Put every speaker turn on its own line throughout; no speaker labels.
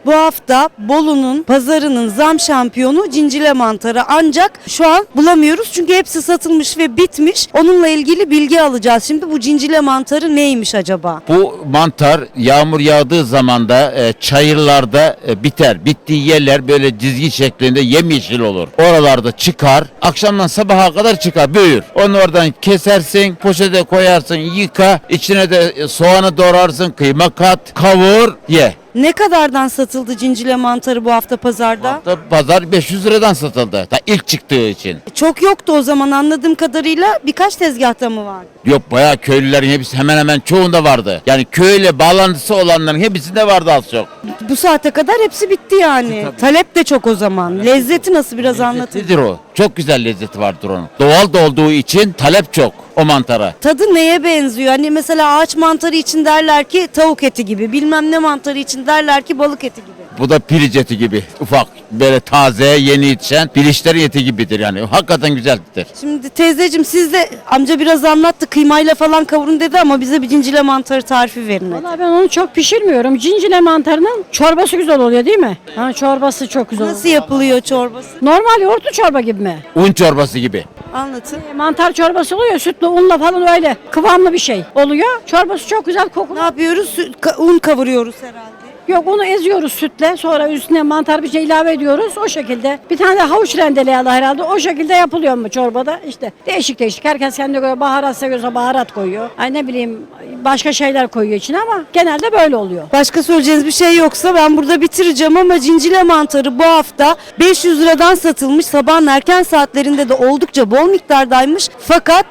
Bu hafta Bolu'nun pazarının zam şampiyonu cincile mantarı, ancak şu an bulamıyoruz çünkü hepsi satılmış ve bitmiş. Onunla ilgili bilgi alacağız. Şimdi bu cincile mantarı neymiş acaba?
Bu mantar yağmur yağdığı zaman da çayırlarda biter. Bittiği yerler böyle dizgi şeklinde yemyeşil olur. Oralarda çıkar. Akşamdan sabaha kadar çıkar, büyür. Onu oradan kesersin, poşete koyarsın, yıka. İçine de soğanı doğrarsın, kıyma kat, kavur, ye.
Ne kadardan satıldı cincile mantarı bu hafta pazarda?
Hatta pazar 500 liradan satıldı. Ta ilk çıktığı için.
Çok yoktu o zaman, anladığım kadarıyla birkaç tezgahta mı vardı?
Yok, bayağı köylülerin hepsi, hemen hemen çoğunda vardı. Yani köyle bağlantısı olanların hepsinde vardı az çok.
Bu saate kadar hepsi bitti yani.
Tabii.
Talep de çok o zaman. Lezzeti nasıl, biraz anlatın.
Nedir o? Çok güzel lezzeti vardır onun. Doğal da olduğu için talep çok o mantara.
Tadı neye benziyor? Hani mesela ağaç mantarı için derler ki tavuk eti gibi. Bilmem ne mantarı için derler ki balık eti gibi.
Bu da piliç eti gibi. Ufak, böyle taze, yeni yetişen piliçlerin eti gibidir yani. Hakikaten güzeldir.
Şimdi teyzeciğim, siz de, amca biraz anlattı, kıymayla falan kavurun dedi ama bize bir cincile mantarı tarifi verin. hadi.
Vallahi ben onu çok pişirmiyorum. Cincile mantarının çorbası güzel oluyor değil mi? Ha, çorbası çok güzel oluyor.
Nasıl yapılıyor çorbası?
Normal yoğurtlu çorba gibi mi?
Un çorbası gibi.
Anlatın.
Mantar çorbası oluyor, sütlü unla falan öyle kıvamlı bir şey oluyor. Çorbası çok güzel
Ne
kokulu.
yapıyoruz? Un kavuruyoruz herhalde.
Yok, onu eziyoruz sütle, sonra üstüne mantar bir şey ilave ediyoruz o şekilde. Bir tane de havuç rendeleyalı herhalde, o şekilde yapılıyor mu çorbada? İşte değişik değişik, herkes kendine göre baharat seviyorsa baharat koyuyor. Ay ne bileyim, başka şeyler koyuyor içine ama genelde böyle oluyor.
Başka söyleyeceğiniz bir şey yoksa ben burada bitireceğim ama cincile mantarı bu hafta 500 liradan satılmış. Sabahın erken saatlerinde de oldukça bol miktardaymış. Fakat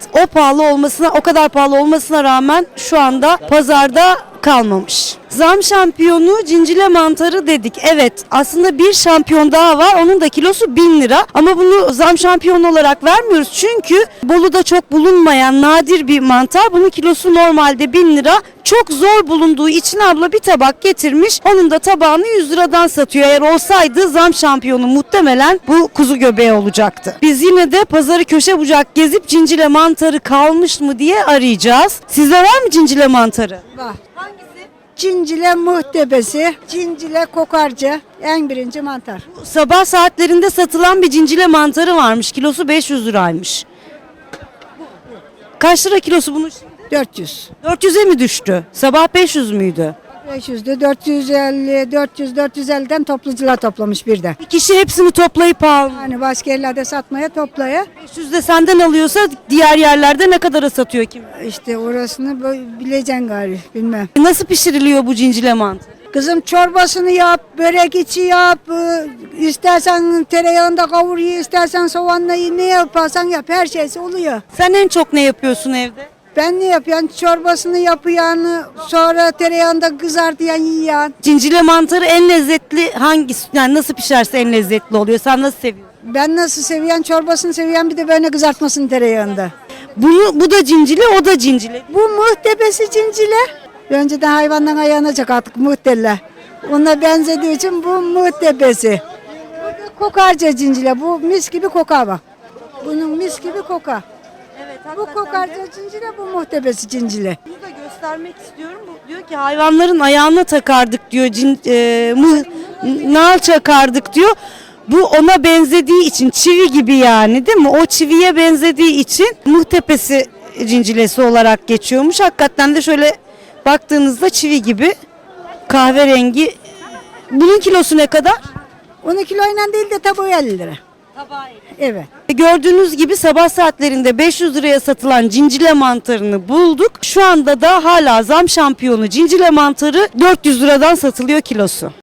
o kadar pahalı olmasına rağmen şu anda pazarda kalmamış. Zam şampiyonu cincile mantarı dedik. Evet, aslında bir şampiyon daha var. Onun da kilosu 1000 lira. Ama bunu zam şampiyonu olarak vermiyoruz. Çünkü Bolu'da çok bulunmayan nadir bir mantar. Bunun kilosu normalde 1000 lira. Çok zor bulunduğu için abla bir tabak getirmiş. Onun da tabağını 100 liradan satıyor. Eğer olsaydı zam şampiyonu muhtemelen bu kuzu göbeği olacaktı. Biz yine de pazarı köşe bucak gezip cincile mantarı kalmış mı diye arayacağız. Sizde var mı cincile mantarı?
Var. Cincile muhtebesi, cincile kokarca, en birinci mantar.
Sabah saatlerinde satılan bir cincile mantarı varmış. Kilosu 500 liraymış. Kaç lira kilosu bunun şimdi?
400.
400'e mi düştü? Sabah 500 müydü?
500'dü, 450, 450'den toplucular toplamış bir de.
Bir kişi hepsini toplayıp almış.
Hani başka yerlerde satmaya toplaya.
500 de senden alıyorsa diğer yerlerde ne kadara satıyor kim?
İşte orasını bileceksin gari, bilmem.
Nasıl pişiriliyor bu cincile mantarı?
Kızım çorbasını yap, börek içi yap, istersen tereyağında kavur ye, istersen soğanla ye, ne yaparsan yap, her şeysi oluyor.
Sen en çok ne yapıyorsun evde?
Ben ne yapıyorum? Çorbasını yapıyorum, sonra tereyağında kızartıyan yiyen.
Cincile mantarı en lezzetli hangisi? Yani nasıl pişerse en lezzetli oluyor. Sen nasıl seviyorsun?
Ben nasıl seviyen çorbasını seviyen, bir de böyle kızartmasını tereyağında.
Bu da cincile, o da cincile.
Bu muhtebesi cincile. Önceden hayvandan ayağına artık muhtelle. Ona benzediği için bu muhtebesi. Bu da kokarca cincile. Bu mis gibi kokar bak. Bunun mis gibi kokar.
Evet,
Bu kokarca cincile, bu muhtebesi cincile.
Bunu da göstermek istiyorum. Bu diyor ki hayvanların ayağına takardık diyor. Nal çakardık diyor. Bu ona benzediği için, çivi gibi yani, değil mi? O çiviye benzediği için muhtepesi cincilesi olarak geçiyormuş. Hakikaten de şöyle baktığınızda çivi gibi kahverengi. Bunun kilosu ne kadar?
Onu kiloyla değil de tabağı 50 lira. Evet.
Gördüğünüz gibi sabah saatlerinde 500 liraya satılan cincile mantarını bulduk. Şu anda da hala zam şampiyonu cincile mantarı 400 liradan satılıyor kilosu.